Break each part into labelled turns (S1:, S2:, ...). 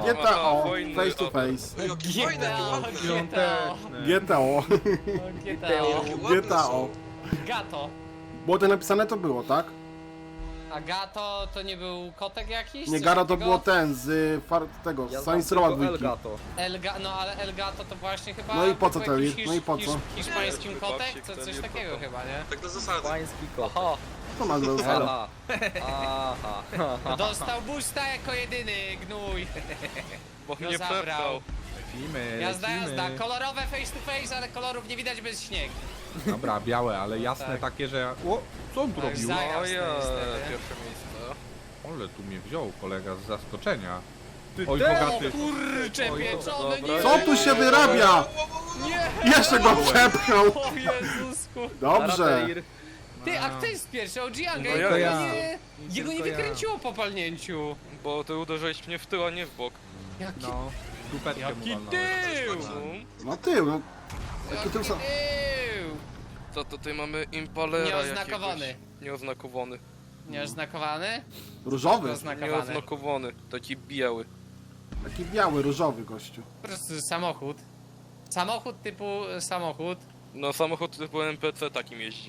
S1: GTO,
S2: wojny,
S1: face to
S2: o,
S1: face.
S3: Jakie fajne, jakie ładne.
S1: GTO, GTO.
S4: Gato.
S1: Było to napisane, to było, tak?
S4: A Gato to nie był kotek jakiś?
S1: Nie,
S4: Coś
S1: Garo to
S4: takiego?
S1: było ten z tego,
S3: Ja
S1: z
S3: znam
S1: Saints Rowa
S3: tylko
S1: 2.
S3: Elgato.
S4: No ale El Gato to właśnie chyba...
S1: No i po co
S4: był
S1: to
S4: jakiś
S1: jest? No i po co?
S4: Hiszpańskim
S2: Nie,
S4: kotek?
S2: babci,
S4: To
S2: kto
S4: coś
S2: nie
S4: takiego
S2: kocha.
S4: chyba, nie?
S5: Tak do zasady.
S3: Pański kot.
S4: Oho,
S1: To ma zasada.
S3: Aha. Aha.
S4: dostał boosta jako jedyny, gnój.
S2: Bo
S4: No
S2: mnie
S4: zabrał.
S2: przepchał.
S6: Lecimy,
S4: Jazda,
S6: lecimy.
S4: jazda. Kolorowe face to face, ale kolorów nie widać bez śnieg.
S6: Dobra, białe, ale jasne
S4: Tak.
S6: takie, że... O, co on tu
S4: Tak,
S6: robił?
S4: za-
S2: O
S4: jasne,
S2: ja,
S4: niestety.
S2: pierwsze miejsce.
S6: Ale tu mnie wziął kolega z zaskoczenia.
S3: Ty
S6: Oj,
S3: też!
S6: bogaty.
S4: Kurcze
S6: Oj,
S4: pieczone,
S2: dobra.
S4: nie!
S1: Co tu się wyrabia?
S4: Nie!
S1: Jeszcze go przepchnął.
S4: O Jezusku!
S1: Dobrze.
S3: Arateir.
S4: Ty, a kto jest pierwszy? OG-Anga?
S2: No
S4: Jego
S2: ja.
S4: Jego nie
S6: Tylko ja.
S4: wykręciło po palnięciu.
S2: Bo ty uderzyłeś mnie w tył, a nie w bok.
S4: Jaki
S6: No, dupetkę mu
S4: Jaki
S6: walnąłem.
S4: tył!
S1: No tył, no. Jaki tył sam.
S4: tył!
S2: Co tutaj mamy impalera
S4: Nieoznakowany.
S2: jakiegoś. Nieoznakowany.
S4: Nieoznakowany?
S1: Różowy.
S4: Oznakowany.
S2: Nieoznakowany. Taki biały.
S1: Taki biały, różowy gościu.
S4: Po prostu samochód. Samochód typu samochód.
S2: No samochód typu NPC takim jeździ.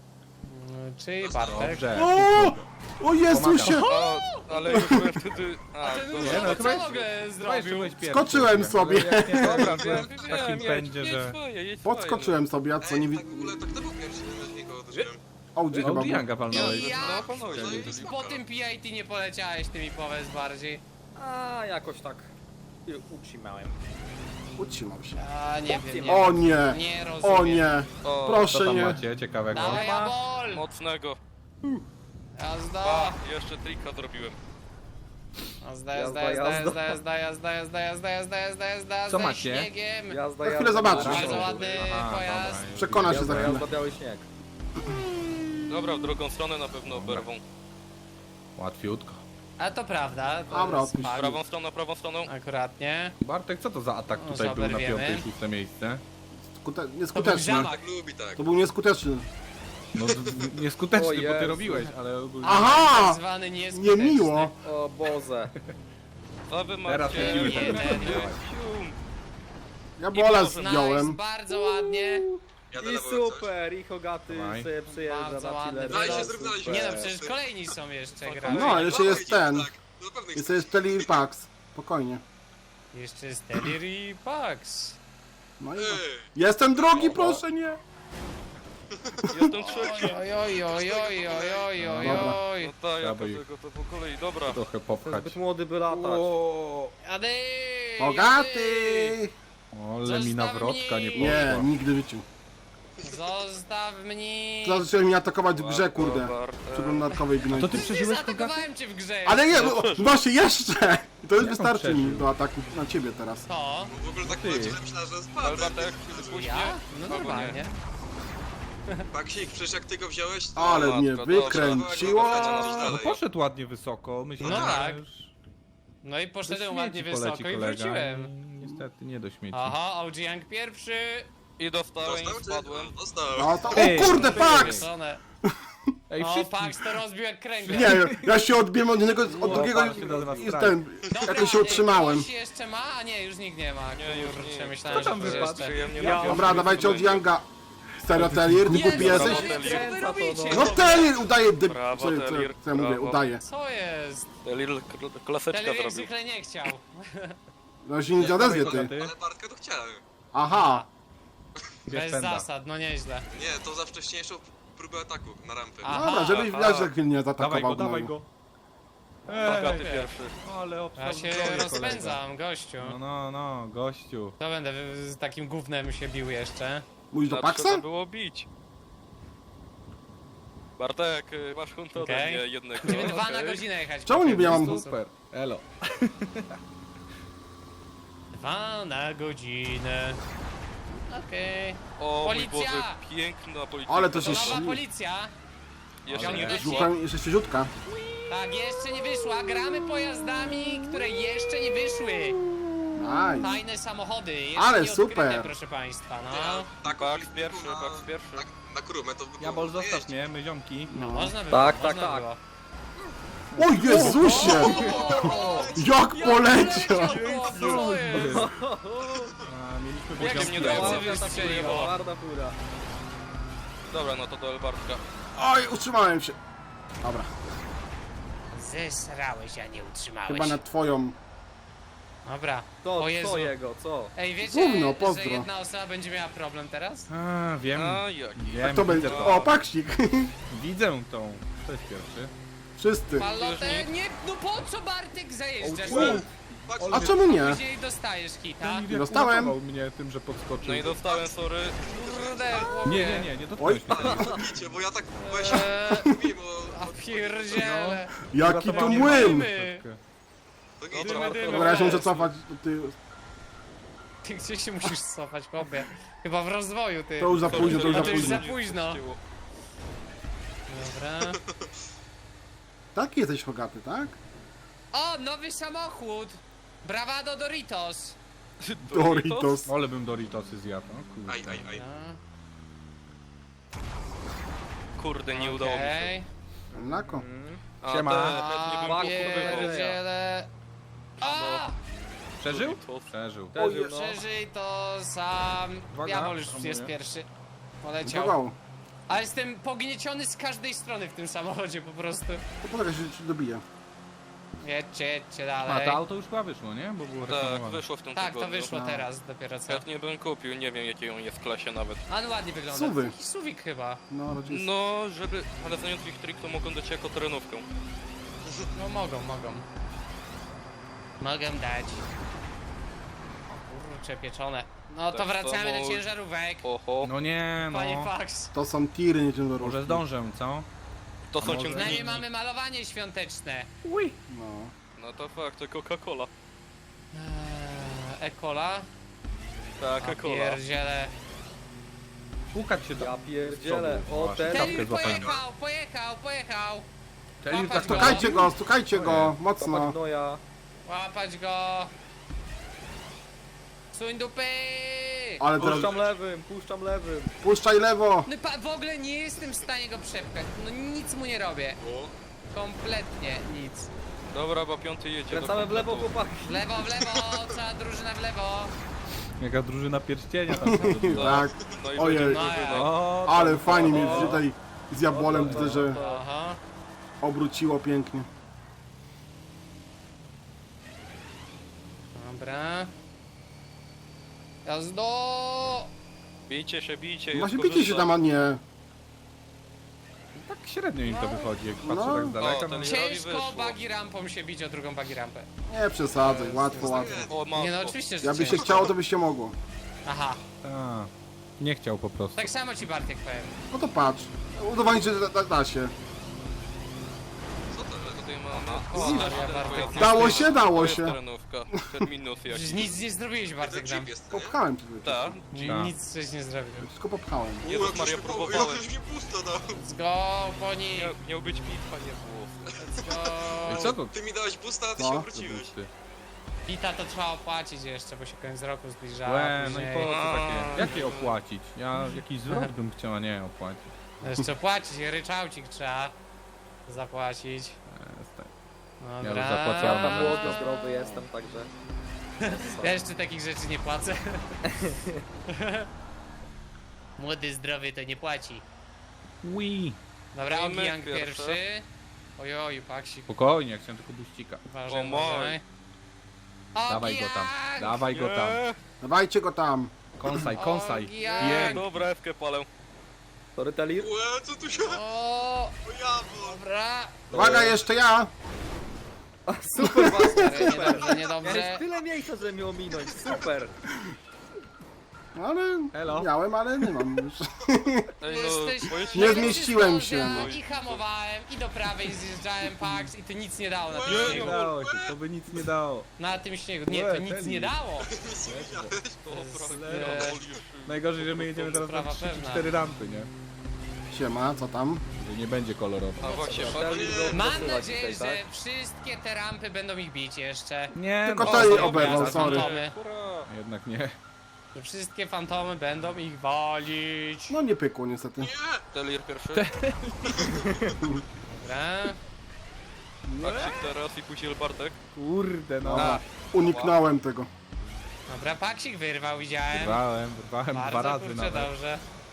S4: Czyli Bartek.
S6: Dobrze.
S1: O! O Jezusie!
S2: A, ale już byłem wtedy... A,
S4: Ten
S2: dobra.
S6: Nie, no,
S4: co
S6: chyba
S4: mogę
S6: Chyba jeszcze
S4: zrobił?
S6: byłeś pierwszy.
S1: Skoczyłem sobie.
S6: Dobra,
S2: Wiem,
S6: w takim pędzie,
S2: jedź
S6: że...
S2: swoje, jedź
S1: Podskoczyłem sobie, a co nie
S5: Ej,
S1: widzę.
S5: tak w ogóle, tak to był pierwszy, na niego uderzyłem.
S1: Audi chyba był.
S6: Audi walnąłeś.
S4: Ja
S2: No, panowie.
S4: po tym PIT nie poleciałeś tymi powiedz bardziej.
S3: A, jakoś tak utrzymałem.
S1: Utrzymał się.
S4: A nie wiem, nie
S1: O
S4: wiem.
S1: nie!
S4: Nie rozumiem.
S1: O nie!
S2: O,
S6: Co
S1: Proszę
S6: tam
S1: nie!
S6: macie ciekawego?
S4: Dawaj, Jabol!
S2: mocnego.
S4: Jazda!
S2: A, jeszcze trika zrobiłem.
S4: Jazda,
S3: Jazda,
S4: jazda,
S3: jazda.
S4: jazda, jazda, jazda, jazda, jazda, jazda, jazda,
S6: Co
S4: ze
S6: macie?
S4: śniegiem.
S3: Jazda,
S1: Za chwilę zobaczysz.
S4: Bardzo ładny
S6: Aha,
S4: pojazd.
S6: dobra.
S1: Przekona się za chwilę.
S3: Jazda, biały śnieg.
S2: Dobra, w drugą stronę na pewno oberwą.
S6: Łatwiutko.
S4: A to prawda. To
S1: Dobra,
S4: jest
S1: odpuść.
S4: fakt.
S2: Prawą stroną.
S4: Akuratnie.
S6: Bartek, co to za atak
S4: No,
S6: tutaj był na
S4: zaberwiemy.
S6: 5. i 6. miejsce?
S1: Nieskuteczny.
S4: zamach.
S5: Tak lubi, tak.
S1: To był nieskuteczny.
S6: No nieskuteczny,
S3: O
S6: bo ty
S3: Jezu.
S6: robiłeś, ale ogólnie...
S4: Tak
S1: Aha!
S4: zwany nieskuteczny.
S1: Niemiło!
S3: O Boże.
S2: A wy macie...
S6: Teraz lecimy
S4: ten.
S2: Cium.
S1: Ja bola
S4: Nice,
S1: zdjąłem.
S4: bardzo ładnie.
S5: Jadę
S3: I
S5: na wołek coś.
S3: super, i Hogaty
S6: Dawaj.
S3: sobie przyjeżdża
S4: Bardzo
S3: na
S4: ładny.
S3: chwilę.
S5: Daj się, zrób, daj się.
S4: Nie no,
S5: Super.
S4: przecież kolejni są jeszcze
S2: No,
S4: gracze.
S1: No, jeszcze jest ten.
S5: Tak, no na pewno
S1: Jest jeszcze Telly Pax. Spokojnie.
S4: Jeszcze jest Telery Pax.
S1: No i
S5: Ej,
S1: jestem drogi, proszę nie!
S2: Jestem trzeci.
S4: Oj, oj, oj, oj, oj, oj, oj,
S1: Dobra.
S4: oj.
S2: No tak, ja
S6: Dawaj.
S2: tego to po kolei, dobra.
S6: Trochę
S3: Ten
S6: popchać.
S3: zbyt młody by latać.
S6: O,
S4: Jady!
S1: Bogaty!
S6: ale mi nawrotka nie
S1: Nie,
S6: poszła.
S1: nigdy w życiu.
S4: Zostaw mnie!
S1: Zacząłem mnie atakować w grze, kurde.
S2: Bartek.
S1: W przeglądarkowej gnoj.
S6: To ty
S4: Nie
S6: przeżyłeś Hogaty?
S4: zaatakowałem cię w grze!
S1: Ale nie, no, właśnie jeszcze! I to już
S6: Jak on
S1: wystarczy mi
S6: przeżył?
S1: do ataku na ciebie teraz.
S4: To?
S5: bo w ogóle tak
S6: Ty.
S5: powiedział, że myślałem, że
S2: Ale
S5: spadł.
S2: Bartek, wypuść
S4: Ja?
S2: mnie.
S4: No
S2: Albo
S4: normalnie.
S5: Baksik, przecież jak ty go wziąłeś, to...
S1: Ale
S2: matko,
S1: mnie
S2: dobra.
S1: wykręciło!
S6: No poszedł ładnie wysoko, myślałem,
S4: No
S6: że
S4: tak.
S6: już
S4: No i
S6: do
S4: poszedłem
S6: śmieci
S4: ładnie
S6: poleci
S4: wysoko i
S6: kolega.
S4: wróciłem.
S6: Niestety nie do śmieci.
S4: Aha, OG Young pierwszy.
S2: I dostałem i
S5: Dostał cię?
S2: spadłem.
S5: No, dostał.
S1: No to,
S6: Ty,
S1: o kurde, Pax!
S4: Żonę.
S6: Ej,
S4: O,
S6: wszyscy...
S4: Pax to rozbił jak kręgle.
S1: Nie, ja się odbiłem od jednego, od drugiego
S6: Pax się nazywa
S1: i
S6: strajk.
S1: ten,
S4: Dobra,
S1: jakoś się utrzymałem.
S4: Ktoś jeszcze ma? A nie, już nikt nie ma.
S2: Nie, już
S4: Kurczę,
S2: nie.
S4: myślałem,
S6: Kto tam
S4: że ktoś
S6: wypadł?
S4: jeszcze.
S2: Przyjemnie
S3: Ja-
S2: na
S1: Dobra, dawajcie od Younga. Serio, Telir, nie głupi
S4: Jezu,
S1: jesteś?
S4: co wy robicie?
S1: No Telir udaje,
S2: Brawo,
S1: co
S2: Telir,
S1: ja mówię,
S2: brawo.
S1: udaje.
S4: Co jest?
S2: Lil klaseczka
S4: Telery jak
S2: zrobił.
S4: zwykle nie chciał.
S1: No się nie odezwie ty.
S6: Hogaty,
S5: Ale Bartka to chciałem.
S1: Aha,
S6: bierz
S4: Bez
S6: pęda.
S4: zasad, no nieźle.
S5: Nie, to za wcześniejszą próbę ataku na rampę.
S4: Aha.
S1: dobra, żebyś
S2: aha.
S1: wiesz, jak mnie nie
S6: Dawaj
S1: zaatakował.
S6: go, dawaj
S1: gnoju.
S6: go.
S2: Bogaty
S4: Ej.
S2: pierwszy.
S6: Ale
S4: Ja
S6: obstał
S4: się
S6: zdrowie, kolega.
S4: rozpędzam, gościu.
S6: No, gościu.
S4: To będę z takim gównem się bił jeszcze.
S1: Mówisz do
S2: Trzeba
S1: Paxa?
S2: było bić. Bartek, masz huntę ode
S4: Okej.
S2: mnie jednego.
S4: Będziemy 2 na
S2: okej?
S4: godzinę jechać.
S1: Czemu niby ja mam...
S6: Super, elo.
S4: 2 na godzinę. Okej.
S2: O mój
S4: Policja!
S2: Boże, piękna policja.
S1: Ale to się
S4: To nowa
S1: śni.
S4: policja.
S2: Jeszcze nie
S4: Ciągle
S2: wyszło.
S1: Szukam jeszcze świeżutka.
S4: Tak, jeszcze nie wyszła. Gramy pojazdami, które jeszcze nie wyszły.
S1: Nice.
S4: Tajne samochody. Jeszcze
S1: Ale
S4: nie odkryte,
S1: super.
S4: proszę państwa, no.
S5: Tak,
S2: Pax pierwszy, Pax pierwszy.
S5: Na krumę to by było
S6: Jabol, zostaw
S5: jeździć.
S6: mnie, my ziomki.
S4: No można było,
S3: Tak,
S4: można
S3: tak, tak.
S4: było.
S1: O Jezusie! Jak poleciał!
S4: Co jest?
S6: A, mieliśmy
S2: Jak
S6: poziom
S2: mnie
S6: zero.
S2: dało?
S3: Ładna ta fura, ładna fura.
S2: Dobra, no to do Elbartka.
S1: Oj, utrzymałem się. Dobra,
S4: Zesrałeś, a nie utrzymałeś.
S1: chyba na twoją.
S4: Dobra.
S3: To,
S4: O Jezu.
S3: co jego, co?
S4: Ej, wiecie,
S1: Gówno, pozdro.
S4: że jedna osoba będzie miała problem teraz?
S6: A, wiem.
S2: A jaki?
S6: Wiem,
S1: To
S6: widzę
S1: będzie.
S6: to.
S1: O, paksik.
S6: Widzę tą. To jest pierwszy.
S1: Wszyscy.
S4: Palotę, nie, no po co Bartek zajeżdżasz?
S5: Patrz,
S1: A czemu nie?
S4: Później dostajesz hita.
S6: Ten jak
S1: Dostałem.
S6: uratował mnie tym, że podskoczył.
S2: No i dostałem, sorry.
S4: Kurde, chłopie.
S6: Nie dotknąłeś mnie.
S5: widzicie, bo ja tak, bo ja się
S4: Eee,
S5: mówiłem
S4: a
S5: o...
S4: pierdziele.
S1: Jaki tu
S6: Uratowanie
S1: młyn!
S4: Dymy.
S5: To
S2: Dobra,
S5: idzie.
S4: dymy.
S1: Dobra, ja się muszę cofać. Ty,
S4: Ty gdzie się musisz cofać, chłopie? Chyba w rozwoju, ty.
S1: to już za późno, to już
S4: A
S1: za
S4: to już
S1: późno.
S4: za późno. Dobra.
S1: Taki jesteś Hogaty, tak?
S4: O, nowy samochód! Bravado Doritos!
S1: Doritos.
S6: Ale bym Doritosy zjadł. O, kurde.
S5: Aj.
S2: Kurde, nie udało mi się.
S4: Okej.
S1: Lako.
S2: A
S6: Siema.
S2: te chętnie bym kupował.
S4: Pierdziele. A!
S6: Przeżył?
S2: Doritos.
S6: Przeżył.
S3: Przeżył, no.
S4: Przeżyj to sam.
S6: Uwaga,
S4: Diabol już
S6: hamuję.
S4: jest pierwszy. Poleciał.
S1: Kogo?
S4: Ale jestem pognieciony z każdej strony w tym samochodzie po prostu.
S1: To poczekaj, się dobije.
S4: Jedźcie
S6: A
S4: dalej.
S6: to auto już chyba wyszło, nie? Bo było
S2: Tak,
S6: reklamowane.
S2: wyszło w tym
S4: Tak, to
S2: tygodniu.
S4: wyszło
S1: No.
S4: teraz dopiero co.
S2: Chętnie bym kupił, nie wiem jakiej on jest w klasie nawet.
S4: A no ładnie wygląda.
S1: Suwy.
S4: Taki suwik chyba.
S1: No, rodzice.
S2: No, żeby... Ale znając ich trik, to mogą dać jako terenówkę.
S4: No mogą. Mogę dać. O kurczę, pieczone. No to
S2: Tak
S4: wracamy
S2: samo-
S4: do ciężarówek.
S2: Oho.
S6: No nie,
S4: Panie
S6: no.
S4: Fax.
S1: To są tiry, nie ciężarówki.
S6: Może zdążę, co?
S2: To są
S6: może-
S2: ciągniki.
S4: Przynajmniej mamy malowanie świąteczne.
S1: No.
S2: No to fakt, to Coca-Cola.
S4: Ekola.
S2: Tak,
S4: A
S2: Coca-Cola.
S4: pierdziele.
S6: Pukać się do...
S3: Ja pierdzielę, o
S6: Masz.
S3: ten...
S6: Czapkę
S4: Telir
S6: złapałem.
S4: pojechał.
S6: Telir
S4: Łapać
S6: tak
S4: go.
S1: Stukajcie go, stukajcie go,
S3: Kopać
S1: mocno.
S3: gnoja.
S4: Łapać go. Suń dupy.
S1: Ale teraz
S3: Puszczam lewym.
S1: puszczaj lewo.
S4: No w ogóle nie jestem w stanie go przepchać. No nic mu nie robię.
S5: O,
S4: Kompletnie nic.
S2: Dobra, bo piąty jedzie.
S3: Kręcamy
S2: do
S3: w lewo,
S2: kompletu.
S3: chłopaki.
S4: W lewo, cała drużyna w lewo.
S6: Jaka drużyna pierścienia tam się zrobiła.
S1: Tak,
S2: No i
S1: Ojej.
S2: będzie
S4: No,
S2: wygrał.
S6: O,
S1: ale fajnie mnie tutaj z jabłolem widzę, że
S4: Aha.
S1: obróciło pięknie.
S4: Dobra. Jazdo!
S2: Bijcie się, bijcie.
S1: Właśnie
S2: jest
S1: bicie się tam, a nie.
S6: tak średnio im to wychodzi, jak patrzę
S1: No.
S6: tak z daleka.
S2: O,
S6: No.
S2: ten-
S4: Ciężko
S2: wyszło.
S4: bagi rampą się bić o drugą bagi rampę.
S1: Nie przesadzaj, łatwo.
S2: O, mam
S4: Nie no
S2: to.
S4: oczywiście, że
S1: Jakby się
S4: ciężko.
S1: chciało, to by się mogło.
S4: Aha.
S6: A, nie chciał po prostu.
S4: Tak samo ci Bartek powiem.
S1: No to patrz. Udowodnić, że da się.
S2: Co to tutaj mamy?
S4: O,
S2: O,
S4: Maria,
S2: ten
S4: Bartek.
S2: pojazd.
S1: Dało się, dało
S2: To jest
S1: się.
S2: terenówka. Ten minus
S4: Przecież
S2: jakiś.
S4: nic nie zrobiłeś Bartek
S5: ten
S4: tam.
S5: jeep jest, nie?
S1: Popchałem cię.
S2: Tak.
S6: Tak.
S4: Nic żeś nie zrobił.
S1: Wszystko popchałem.
S2: Jezus
S5: jak
S2: Maria,
S5: żeś mi-
S2: próbowałem.
S5: Jak już mi pusto dał.
S4: Let's go, poni.
S2: Miał być bitwa, nie było.
S4: Let's
S6: Ej,
S4: go.
S6: co to?
S5: Ty mi dałeś busta, a ty
S1: Co?
S5: się
S6: To
S5: obróciłeś.
S6: ty.
S4: Pita to trzeba opłacić jeszcze, bo się koniec roku zbliża.
S6: Łe, no i
S4: później.
S6: po co takie? Jakie opłacić? Ja jakiś zwrot bym chciała, nie opłacić.
S4: Jeszcze płacić, ryczałcik trzeba zapłacić.
S6: Jestem.
S4: Dobra.
S6: już zapłaciłem.
S3: Ja młody, zdrowy jestem, także...
S4: Ja jeszcze takich rzeczy nie płacę. Młody, zdrowy to nie płaci.
S6: Wii.
S4: Dobra,
S2: Dajmy
S4: Ogiang
S2: pierwsze.
S4: pierwszy. Ojoju, paksik.
S6: Spokojnie, chciałem tylko buścika.
S4: Uważaj,
S2: O mój.
S4: uważaj.
S6: Dawaj go tam,
S4: Ogiang!
S6: dawaj go tam.
S2: Nie,
S1: Dawajcie go tam.
S6: Kąsaj, kąsaj.
S4: Ogiang!
S6: Pięknie.
S2: dobra, Ewkę palę.
S3: Sorry, Telir.
S5: Łe, co tu się...
S4: O,
S5: O jabło.
S4: dobra.
S1: Uwaga, jeszcze ja.
S3: Super was,
S4: Niedobrze,
S3: Miałeś
S4: niedobrze.
S3: tyle miejsca, żeby mnie ominąć, super.
S1: Ale
S6: Elo.
S1: miałem, ale nie mam już.
S2: Ej,
S4: Jesteś...
S2: bo jest...
S1: Nie zmieściłem się,
S4: No.
S1: no.
S4: I hamowałem, i do prawej zjeżdżałem Pax i to nic nie dało na tym
S6: Nie
S4: śniegu.
S6: dało się, to by nic nie dało.
S4: Na tym śniegu. Nie, to nic nie dało.
S6: Najgorzej, że my jedziemy teraz na
S4: Sprawa pewna.
S6: 3-4 rampy, nie?
S1: Siema, co tam?
S6: Że nie będzie kolorowo.
S2: A właśnie,
S3: Telir go
S4: Mam
S3: posyłać
S4: nadzieję,
S3: tutaj,
S4: że
S3: tak?
S4: wszystkie te rampy będą ich bić jeszcze.
S6: Nie,
S1: Tylko
S6: no,
S1: to jej
S4: dobra,
S1: oberwał,
S4: za
S1: sorry.
S4: fantomy.
S6: jednak nie.
S4: Że wszystkie fantomy będą ich walić.
S1: No nie pykło niestety.
S5: Nie!
S2: Telir pierwszy.
S4: Dobra.
S2: Paksik teraz i później Bartek.
S6: Kurde, no.
S1: Dobra, uniknąłem tego.
S4: Dobra, Paksik wyrwał, widziałem.
S6: Wyrwałem dwa
S4: Bardzo
S6: razy
S4: kurczę,
S6: nawet.
S4: dobrze.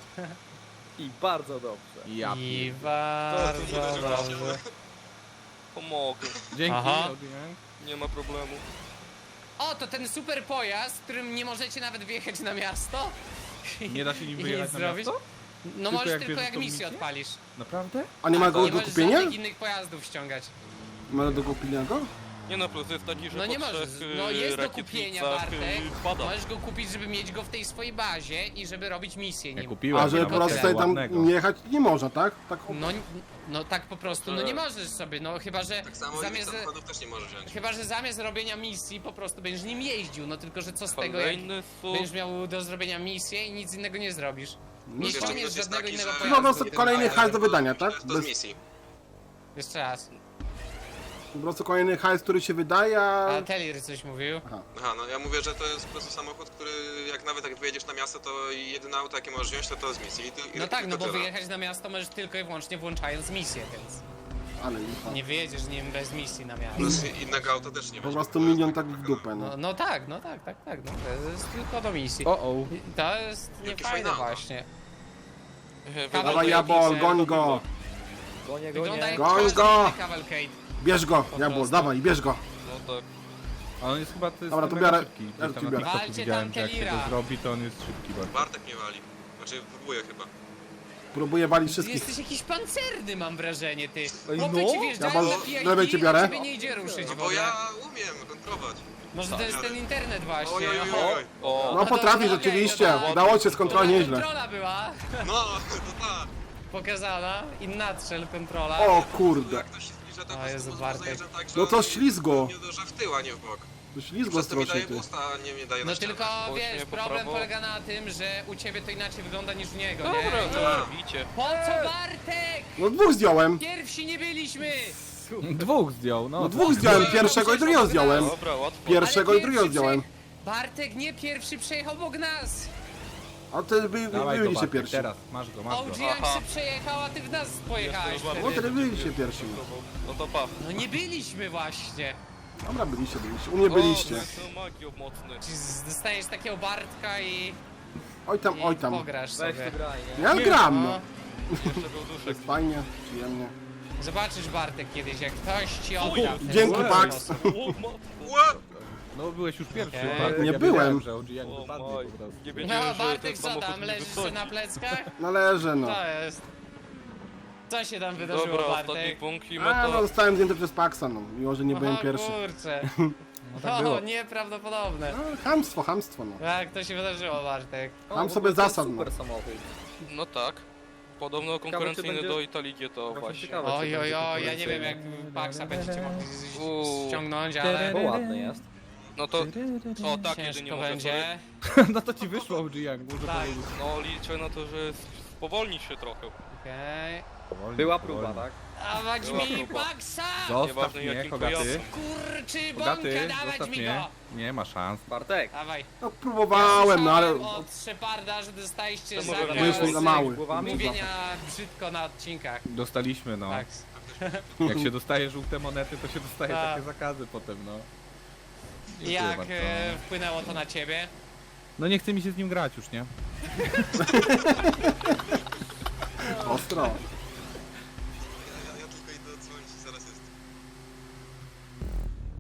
S3: I bardzo dobrze.
S6: Ja
S4: I
S6: pier-
S4: bardzo
S5: To nie uderzyło się.
S4: dobrze.
S2: Pomogę.
S6: Dzięki,
S4: Aha.
S6: Odin.
S2: Nie ma problemu.
S4: O, to ten super pojazd, którym nie możecie nawet wjechać na miasto?
S6: Nie da się nim
S4: I
S6: wyjechać
S4: nic
S6: na
S4: zrobić?
S6: miasto?
S4: No
S6: Tylko
S4: możesz
S6: jak
S4: tylko
S6: bierzesz
S4: jak
S6: tą
S4: misję
S6: misję?
S4: odpalisz.
S6: Naprawdę?
S1: A nie ma go
S4: Nie
S1: do
S4: możesz
S1: kupienia?
S4: żadnych innych pojazdów ściągać.
S1: Ma do kupienia go?
S2: Nie no, plus jest taki, że
S4: No
S2: po
S4: nie możesz,
S2: trzech
S4: no jest do
S2: rakietnicach,
S4: kupienia, Bartek.
S2: pada.
S4: Możesz go kupić, żeby mieć go w tej swojej bazie i żeby robić misję
S6: Ja
S4: nim.
S6: kupiłem.
S1: A żeby
S6: nawet
S1: po prostu
S6: takiego
S1: tutaj tam
S6: ładnego.
S1: jechać nie można, tak? Tak.
S4: No tak po prostu, no nie możesz sobie, no chyba, że
S5: Tak samo innych
S4: zamiast...
S5: samochodów też nie może wziąć.
S4: Chyba, że zamiast robienia misji po prostu będziesz nim jeździł, no tylko, że co z tego, jak
S2: Kolejny sub.
S4: będziesz miał do zrobienia misję i nic innego nie zrobisz. Nie
S5: Jeszcze
S4: ściągniesz
S5: minus jest
S4: żadnego
S5: taki,
S4: innego
S5: że-
S4: pojazdu.
S1: No po prostu
S4: tym
S1: kolejny
S4: pojazdem.
S1: hajs do wydania, tak?
S5: To z misji.
S4: Jeszcze raz.
S1: Po prostu kolejny hajs, który się wydaje,
S4: A Telir coś mówił.
S5: Aha, no ja mówię, że to jest po prostu samochód, który jak wyjedziesz na miasto, to jedyne auto jakie możesz wziąć to z misji.
S4: No tak, no bo
S5: tyle.
S4: wyjechać na miasto możesz tylko i wyłącznie włączając misję, więc
S1: ale lipa.
S4: nie wyjedziesz nim bez misji na miasto.
S5: Plus innego auta też nie
S1: Po
S5: weźmie,
S1: prostu
S5: bo to jest
S1: milion
S5: tak
S1: tak w
S5: wykonane.
S1: dupę, no.
S4: No tak, no to jest tylko do misji.
S6: O, o.
S4: I to jest
S5: Jakie
S4: niefajne
S5: fajne auto.
S4: właśnie.
S1: Dawaj Jabol, goń go!
S3: Gonię,
S4: Wygląda jak
S3: gonię.
S1: Goń
S4: każdy
S1: go!
S4: inny Cavalcade.
S1: Bierz go, Jabol,
S4: prostu.
S1: dawaj, bierz go!
S2: No tak.
S6: A on jest chyba to jest
S1: Dobra, to
S6: mega
S1: biorę.
S6: szybki.
S1: Ja
S6: Gdzieś
S1: tu
S6: tam na
S1: biorę.
S6: TikToku
S4: Walcie
S6: widziałem,
S4: tam
S6: że jak się
S4: Kelira.
S6: to zrobi, to on jest szybki bardzo.
S5: Bartek mnie wali. Znaczy próbuje chyba.
S1: Próbuję walić
S4: Ty
S1: wszystkich.
S4: jesteś jakiś pancerny, mam wrażenie, ty.
S3: Ej,
S4: Chłopy
S3: no.
S4: ci wjeżdżają
S1: Jabol,
S4: na pijaki,
S1: lewej cię biorę.
S4: a ciebie nie idzie ruszyć
S5: No
S4: w
S5: bo
S4: ogóle.
S5: ja umiem kontrolować.
S4: Może to jest ten internet właśnie.
S5: Oj, oj, oj, oj.
S2: O,
S1: No
S4: to
S1: potrafi
S4: okej,
S1: rzeczywiście,
S4: no to-
S1: udało się z kontroli
S4: To
S1: nieźle.
S4: kontrola była
S5: No, to tak.
S4: pokazana i nadstrzel kontrola.
S1: O kurde,
S5: Jak ktoś się zbliża, to
S4: O
S5: po
S4: Jezu,
S5: prostu
S4: Bartek.
S5: zajeżdżam tak, że
S1: No to
S5: on
S1: ślizgo.
S5: Nie uderza w tył, a nie w bok.
S1: to ślizgo
S5: Przez to mi
S1: strasznie
S5: daje
S1: ty.
S5: pusta, a nie mnie daje
S4: No
S5: na ścianę.
S4: tylko wiesz,
S2: Właśnie po
S4: problem
S2: prawo.
S4: polega na tym, że u ciebie to inaczej wygląda niż u niego,
S2: dobra,
S4: nie?
S2: to robicie.
S4: Po co Bartek?
S1: No dwóch zdjąłem.
S4: Pierwsi nie byliśmy!
S6: Dwóch zdjął, no.
S1: No dwóch zdjąłem, pierwszego i drugiego zdjąłem.
S2: Dobra, łatwo.
S1: Pierwszego
S4: Ale
S1: i drugiego
S4: pierwszy
S1: zdjąłem.
S4: Bartek nie pierwszy przejechał obok nas!
S1: A ty
S6: Dawaj go,
S1: byliście
S6: Bartek,
S1: pierwsi.
S6: teraz. Masz go, masz go.
S4: OG jak
S2: Aha.
S4: się przejechał, a ty w nas pojechałeś
S2: Jestem
S1: No
S2: bardzo
S4: wtedy.
S1: wtedy byliście pierwsi.
S2: No to pa.
S4: No nie byliśmy właśnie.
S1: Dobra, byliście. U mnie byliście.
S2: O, to magio mocny.
S4: Czy dostaniesz takiego Bartka i
S1: Oj tam.
S4: pograsz
S3: Weź
S4: sobie.
S3: ty graj, nie?
S1: Ja gram,
S4: No.
S1: no.
S2: Jeszcze był duszek.
S1: Jest fajnie, przyjemnie.
S4: Zobaczysz Bartek kiedyś, jak ktoś ci odda w ten
S1: Dzięki, Pax.
S4: sposób.
S2: O, matko.
S5: Ła!
S6: No byłeś już pierwszy,
S4: Okej.
S6: Bartek,
S1: Nie
S6: ja
S1: byłem.
S6: wiedziałem, że OG jak
S2: O,
S6: wypadnie
S2: maj.
S6: po prostu.
S2: Nie
S4: No
S2: wiedziałem, że
S4: Bartek,
S2: ten
S4: co
S2: samochód
S4: tam,
S2: nie
S4: leżysz
S2: wychodzi.
S4: na pleckach?
S1: Należy, no.
S4: To jest. Co się tam wydarzyło,
S2: Dobra, ostatni
S4: Bartek?
S2: punkt i
S1: A, no
S2: meta.
S1: zostałem zdjęty przez Paxa, no. Mimo, że nie byłem
S4: O
S1: pierwszy.
S4: kurczę.
S6: No tak było.
S4: O, nieprawdopodobne.
S1: No, hamstwo, no.
S4: Jak to się wydarzyło, Bartek?
S1: Tam
S3: w
S1: sobie
S3: ogóle to jest
S1: zasad, no.
S3: Super samochód.
S2: No tak. Podobno konkurencyjny
S3: będzie-
S2: do Italii to
S3: Właśnie
S2: właśnie.
S3: ciekawe,
S4: Oj,
S3: czy
S4: oj,
S3: będzie
S4: oj, ja nie wiem jak
S3: konkurencyjny.
S4: Paxa będziecie mogli
S2: Uuu.
S4: ściągnąć, ale
S3: Bo ładny jest.
S2: No to... O tak, jedynie
S4: ciężko
S2: może
S4: będzie.
S6: No to ci wyszło OG jak, muszę
S4: Tak.
S6: powiedzieć.
S2: No liczę na to, że spowolni się trochę.
S4: Okej.
S6: Powolnie,
S3: Była
S6: powolnie.
S3: próba, tak?
S4: Dawać
S2: Była
S4: mi
S2: próba.
S4: Paxa!
S6: Zostaw
S2: Nieważne,
S6: mnie,
S2: jakim
S6: Kogaty.
S2: pojazdem.
S4: Kurczy
S6: Kogaty,
S4: bąka, dawać
S6: zostaw
S4: mi
S6: mnie.
S4: go!
S6: Nie ma szans.
S3: Bartek.
S4: Dawaj.
S1: No próbowałem, no ale...
S4: Słyszałem od Szeparda, że dostaliście
S2: To
S4: za
S2: może
S1: Byliśmy za mały.
S3: Głowami?
S4: mówienia brzydko na odcinkach.
S6: Dostaliśmy, no.
S4: Tak.
S6: Jak się dostaje żółte monety, to się dostaje
S4: Tak.
S6: takie zakazy potem, no. Dziękuję
S4: Jak
S6: bardzo.
S4: wpłynęło to na ciebie?
S6: No nie chce mi się z nim grać już, nie?
S1: Ostro.